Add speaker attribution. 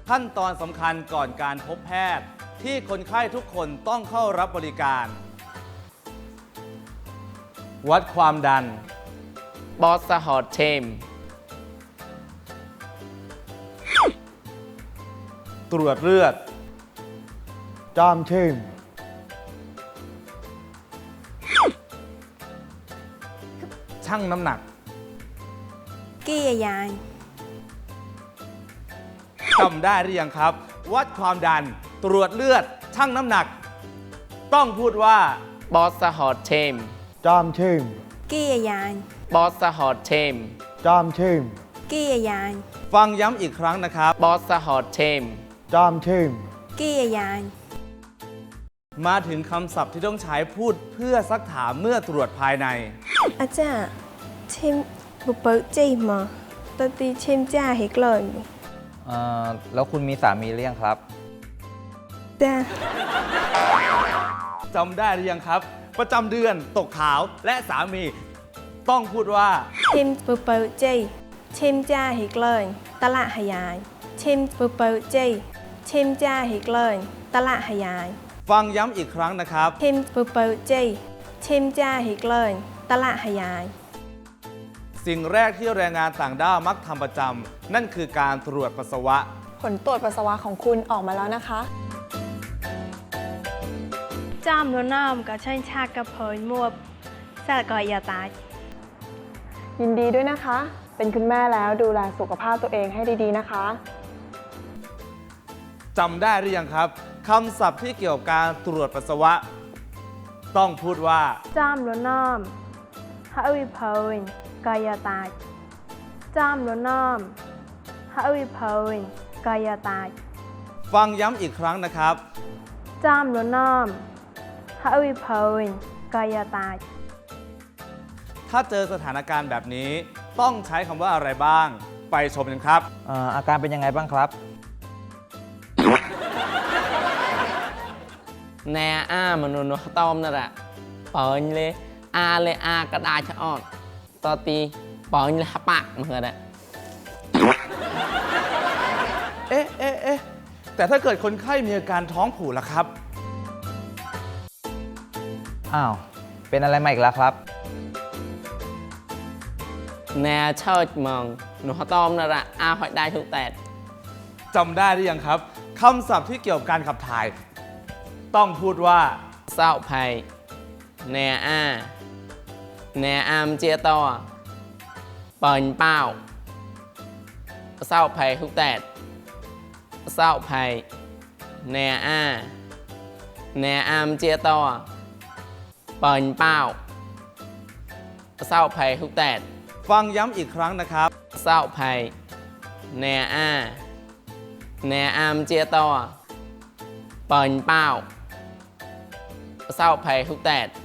Speaker 1: ขั้นตอนสำคัญก่อนการพบแพทย์ที่คนไข้ทุกคนต้องเข้ารับบริการ วัดความดัน
Speaker 2: บอสฮอตเชม
Speaker 1: ตรวจเลือด
Speaker 3: จามเชม
Speaker 1: ชั่งน้ำหนัก
Speaker 4: กี้ยาย
Speaker 1: จำได้หรือยังครับ วัดความดัน ตรวจเลือด ชั่งน้ำหนัก ต้องพูดว่า
Speaker 2: บอสฮอตเชม
Speaker 3: จามเชม
Speaker 4: กี้ยาย
Speaker 2: บอสฮอตเชม
Speaker 3: จามเชม
Speaker 4: กี้ยาย
Speaker 1: ฟังย้ำอีกครั้งนะครับ
Speaker 2: บอสฮอตเชม
Speaker 3: จามเชม
Speaker 4: กี้ยาย
Speaker 1: มาถึงคำศัพท์ที่ต้องใช้พูดเพื่อซักถามเมื่อตรวจภายใน
Speaker 4: อาจารย์ชิมบุปเปิลจีมาตตีชิมจ้าเฮกเลย
Speaker 5: แล้วคุณมีสามีหรือยังครับ
Speaker 4: จ้า
Speaker 1: จำได้หรือยังครับ ประจำเดือนตกขาวและสามี ต้องพูดว่า
Speaker 4: ชิมบุปเปิลจีชิมจ้าเฮกเลยตละหายายชิมบุปเปิลจีชิมจ้าเฮกเลยตละหายาย
Speaker 1: ฟังย้ำอีกครั้งนะครับ
Speaker 4: ชิมบุปเปิลจีชิมจ้าเฮกเลยตละหายาย
Speaker 1: สิ่งแรกที่แรงงานต่างด้าวมักทำประจำนั่นคือการตรวจปัสสาวะ
Speaker 6: ผลตรวจปัสสาวะของคุณออกมาแล้วนะคะ
Speaker 4: จ้ามแล้วน้ำกับเชิญชากับเพยมวบแซ่ก่อยอย่าตาย
Speaker 6: ยินดีด้วยนะคะ เป็นคุณแม่แล้วดูแลสุขภาพตัวเองให้ดีๆนะคะ
Speaker 1: จำได้หรือยังครับคำศัพท์ที่เกี่ยวกับการตรวจปัสสาวะ ต้องพูดว่า
Speaker 4: จ้ามแล้วน้ำให้วิเพยก่อยอย่าตายจ้ามแล้วน้ำให้วิเพยก่อยอย่าตาย
Speaker 1: ฟังย้ำอีกครั้งนะครับ
Speaker 4: จ้ามแล้วน้ำให้วิเพยก่อยอย่าตาย
Speaker 1: ถ้าเจอสถานการณ์แบบนี้ต้องใช้คำว่าอะไรบ้าง ไปชมกันครับ
Speaker 5: อาการเป็นยังไงบ้างครับ
Speaker 2: แนอ้ามนุนต้อมนั่นแหละปอยเลยอากระดาษชะออดตอตีปอยเลยปากเหมือนกัน
Speaker 1: เอ๊ะแต่ถ้าเกิดคนไข้มีอาการท้องผูกล่ะครับ
Speaker 5: อ้าว เป็นอะไรมาอีกแล้วครับ
Speaker 2: แนเชิดมองหนูต้อมนั่นแหละหอยได้ทุกแต่
Speaker 1: จำได้หรือยังครับคำศัพท์ที่เกี่ยวกับการขับถ่าย ต้องพูดว่า
Speaker 2: เศร้าภัยแนอามเจียต่อเปิ่นเป้าเศร้าภัยทุกแต่เศร้าภัยแนอามเจียต่อเปิ่นเป้าเศร้าภัยทุกแต่
Speaker 1: ฟังย้ำอีกครั้งนะครับ
Speaker 2: เศร้าภัยแนอามเจียต่อเปิ่นเป้าเศร้าภัยทุกแต่